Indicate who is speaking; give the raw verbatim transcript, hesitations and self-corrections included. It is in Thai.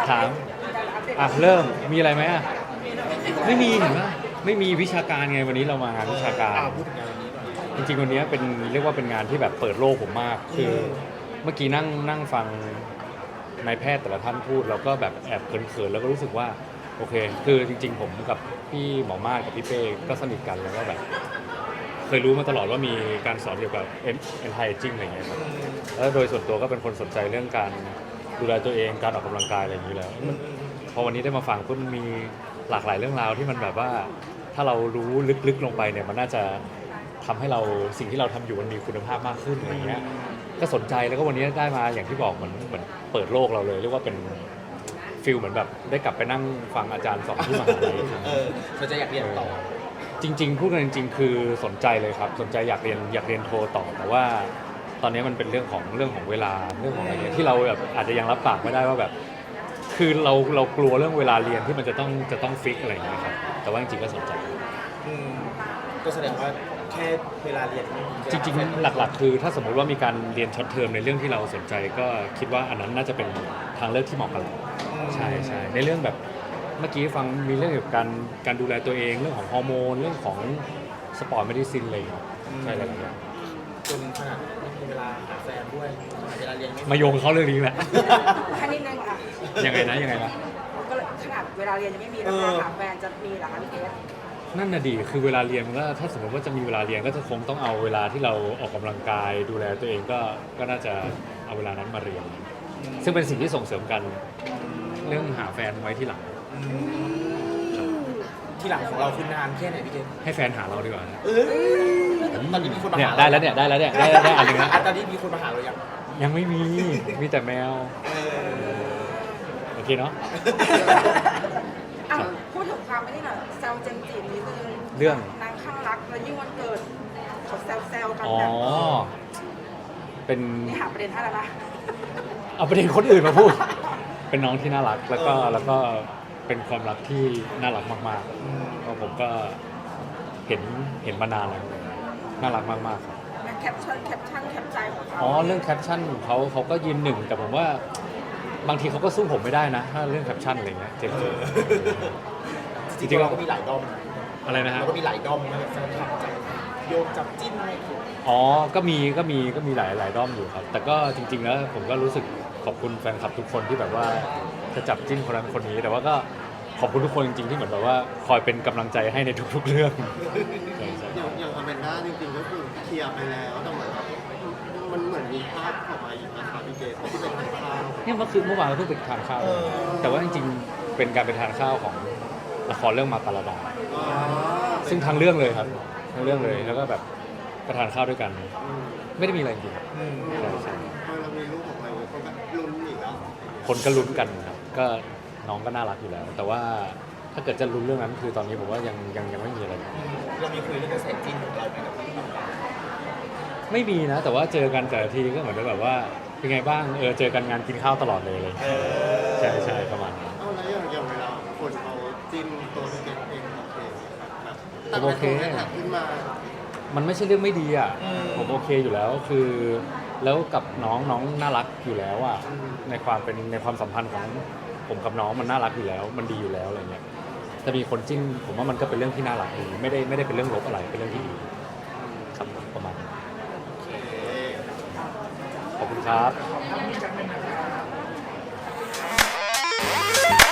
Speaker 1: ถามอ่ะเริ่มมีอะไรไหมอ่ะไม่มีเห็นไหมไม่มีวิชาการไงวันนี้เรามางานวิชาการ
Speaker 2: พูดถึงงานวันนี้หน่อย
Speaker 1: จริงๆวันนี้เป็นเรียกว่าเป็นงานที่แบบเปิดโลกผมมากคือเมื่อกี้นั่งนั่งฟังนายแพทย์แต่ละท่านพูดแล้วก็แบบแอบเขินๆแล้วก็รู้สึกว่าโอเคคือจริงๆผมกับพี่หมอมาศกับพี่เป้ก็สนิทกันแล้วก็แบบเคยรู้มาตลอดว่ามีการสอนเกี่ยวกับเอ็นไทจิ้งอะไรเงี้ยครับแล้วโดยส่วนตัวก็เป็นคนสนใจเรื่องการดูแลตัวเองการออกกำลังกายอะไรอย่างนี้แล้วพอวันนี้ได้มาฟังก็มีหลากหลายเรื่องราวที่มันแบบว่าถ้าเรารู้ลึกๆลงไปเนี่ยมันน่าจะทำให้เราสิ่งที่เราทำอยู่มันมีคุณภาพมากขึ้นอะไรเงี้ยก็สนใจแล้วก็วันนี้ได้มาอย่างที่บอกเหมือนเหมือนเปิดโลกเราเลยเรียกว่าเป็นฟิลเหมือนแบบได้กลับไปนั่งฟังอาจารย์สอนที่มหาลัย
Speaker 2: เออเราจะอยากเรียนต่อ
Speaker 1: จริงๆพูดกันจริงๆคือสนใจเลยครับสนใจอยากเรียนอยากเรียนโทต่อแต่ว่าตอนนี้มันเป็นเรื่องของเรื่องของเวลาเรื่องของอะไรเงี้ยที่เราแบบอาจจะยังรับปากไม่ได้ว่าแบบคือเราเรากลัวเรื่องเวลาเรียนที่มันจะต้องจะต้องฟิกอะไรอย่างเงี้ยครับแต่ว่าจริงๆก็สนใจ
Speaker 2: ก็แสดงว่าแค่เวลาเรียน
Speaker 1: จริงๆหลักๆคือถ้าสมมติว่ามีการเรียนช็อตเทอมในเรื่องที่เราสนใจก็คิดว่าอันนั้นน่าจะเป็นทางเลือกที่เหมาะกับเราใช่ใช่ในเรื่องแบบเมื่อกี้ฟังมีเรื่องเกี่ยวกับการการดูแลตัวเองเรื่องของฮอร์โมนเรื่องของสปอร์ตเมดิซินอะไรอย่างเงี้ยใช่หลายอย่าง
Speaker 2: จนขนาดไม่มีเวลาหาแฟนด้วยเวลาเรียนไม่
Speaker 1: มาโยงเขาเรื่องนี้แหละ
Speaker 3: แค่นิดนึงอ่ะ
Speaker 1: ยังไงนะยังไงนะ
Speaker 3: ก็ขนาดเวลาเรียนยังไม่มีแล้วหาแฟนจะมีหรอคะพี่เกศ
Speaker 1: นั่นน่ะดีคือเวลาเรียนมันก็ถ้าสมมติว่าจะมีเวลาเรียนก็จะคงต้องเอาเวลาที่เราออกกำลังกายดูแลตัวเองก็ก็น่าจะเอาเวลานั้นมาเรียนซึ่งเป็นสิ่งที่ส่งเสริมกันเรื่องหาแฟนไว้ที่หลัง
Speaker 2: ที่หลังของเราคือนานแค่ไหนพี่เกศ
Speaker 1: ให้แฟนหาเราดีกว่า
Speaker 2: ตอนนี้มีคนมา
Speaker 1: เนี่ย
Speaker 2: หา
Speaker 1: ได้แล้วเนี่ยได้แล้วเนี่ยได้ได้อันนึงแล้ว
Speaker 2: ตอนนี้มีคนมาหาเรายัง
Speaker 1: ยังไม่มีมีแต่แมวโอเคเนาะ
Speaker 3: พูดถึงความไม่ได้หน่อยแซวเจนจีนิดนึง
Speaker 1: เรื่อง
Speaker 3: นางข้างรักแล้วยิ่งวันเกิดเขาแซวแซวกัน
Speaker 1: อ๋อ
Speaker 3: แบบ
Speaker 1: เป็น
Speaker 3: นี่หาประเด็นให้แล้วนะ
Speaker 1: เอาประเด็นคนอื่นมาพูดเป็นน้องที่น่ารักแล้วก็แล้วก็เป็นความรักที่น่ารักมากๆเพราะผมก็เห็นเห็นมานานแล้วน่ารักมากๆครับ
Speaker 3: แคปชั่นแคปชั่นแคปใจของเขา
Speaker 1: อ๋อเรื่องแคปชั่นเขาเขาก็ยืนหนึ่งแต่ผมว่าบางทีเขาก็สู้ผมไม่ได้นะถ้าเรื่องแคปชั่นอะไรเงี้ยเจ็บ
Speaker 2: จริงๆเราก็มีหลายด้อม
Speaker 1: อะไรนะฮะ
Speaker 2: เราก็มีหลายด้อมนะแฟนคลับจับโยงจับจิ้นอะไร
Speaker 1: อ๋อก็มีก็มีก็มีหลายหลายด้อมอยู่ครับแต่ก็จริงๆแล้วผมก็รู้สึกขอบคุณแฟนคลับทุกคนที่แบบว่าจะจับจิ้นคนนั้นคนนี้แต่ว่าก็ขอบคุณทุกคนจริงๆที่เหมือนแบบว่าคอยเป็นกำลังใจให้ในทุกๆเรื่อง
Speaker 4: อย่างอย่างอแมนด้าจริงๆก็คือเคลียร์ไปแล้วแต่เหมือนมันเหมือนมีภาพออกมาอีกนะคะพี่เกศที่เป็นทานข้าว
Speaker 1: เนี่ยเมื่อคืนเมื่อวานเราเพิ่งไปทานข้าวแต่ว่าจริงๆเป็นการไปทานข้าวของละครเรื่องมาตาลดาซึ่งทั้งเรื่องเลยครับทั้งเรื่องเลยแล้วก็แบบไปทานข้าวด้วยกันไม่ได้มีอะไรจริงใช่ใช่
Speaker 4: เรามีรูปออกมาคนก็ลุ้นอีกแล้ว
Speaker 1: คนก็ลุ้นกันครับก็น้องก็น่ารักอยู่แล้วแต่ว่าถ้าเกิดจะลุ้นเรื่องนั้นคือตอนนี้ผมว่ายังยังยังไม่มีอะไร
Speaker 2: เรามีคุยเรื่องกระแสจิ้นของเราไหมครับ
Speaker 1: ไม่มีนะแต่ว่าเจอกันแต่ละทีก็เหมือนแบบว่าเป็นไงบ้างเออเจอกันงานกินข้าวตลอดเลยเลยใช่ใช่ประมาณนั้น
Speaker 4: เอาแล้วอย่างอย่างเวลาคนเขาจิ้นตัวพี่เกศเองโอเคครับแบบ
Speaker 1: โอเค
Speaker 4: ขึ้นมา
Speaker 1: มันไม่ใช่เรื่องไม่ดีอ่ะผมโอเคอยู่แล้วคือแล้วกับน้องน้องน่ารักอยู่แล้วอ่ะในความเป็นในความสัมพันธ์ของผมกับน้องมันน่ารักอยู่แล้วมันดีอยู่แล้วอะไรเงี้ยถ้ามีคนจิ้นผมว่ามันก็เป็นเรื่องที่น่ารักดีไม่ได้ไม่ได้เป็นเรื่องลบอะไรเป็นเรื่องที่ดีครับประมาณนี้ขอบคุณครับ